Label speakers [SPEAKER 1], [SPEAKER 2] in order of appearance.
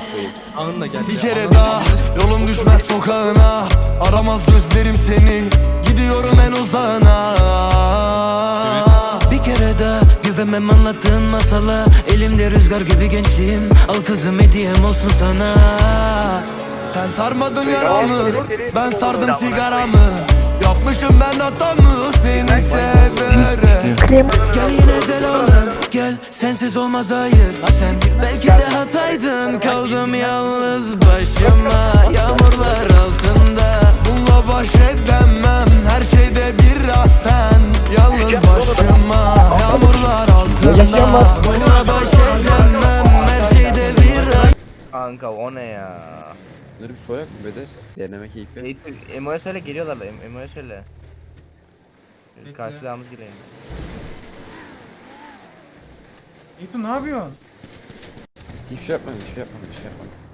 [SPEAKER 1] koyayım.
[SPEAKER 2] Anla gel.
[SPEAKER 3] Bir kere daha yolum düşmez sokağına. Aramaz gözlerim seni, gidiyorum en uzağına.
[SPEAKER 4] Bir kere daha güvenmem anlattığın masala. Elimde rüzgar gibi gençliğim. Al kızım hediyem olsun sana.
[SPEAKER 3] Sen sarmadın yaramı, ben sardım sigaramı. Yapmışım ben hatamı seni severek.
[SPEAKER 4] Gel yine del oğlum gel, sensiz olmaz hayır. Sen belki de hataydın, kaldım yalnız başıma. Yağmurlar altında
[SPEAKER 3] Bununla baş edemem, her şeyde biraz sen. Yalnız başıma, yağmurlar altında.
[SPEAKER 4] bununla baş edemem, her şeyde biraz.
[SPEAKER 5] Kanka o ne ya?
[SPEAKER 1] Bunları bir soyak mı Bedes? Deneme keyfi.
[SPEAKER 5] Emo'ya söyle geliyorlar da Emo'ya söyle.
[SPEAKER 6] Bekle.
[SPEAKER 5] Karşılığımız gireyim.
[SPEAKER 6] Eyüp ne yapıyorsun?
[SPEAKER 1] Hiçbir şey yapmadım, hiçbir şey yapmadım, hiçbir şey yapmadım.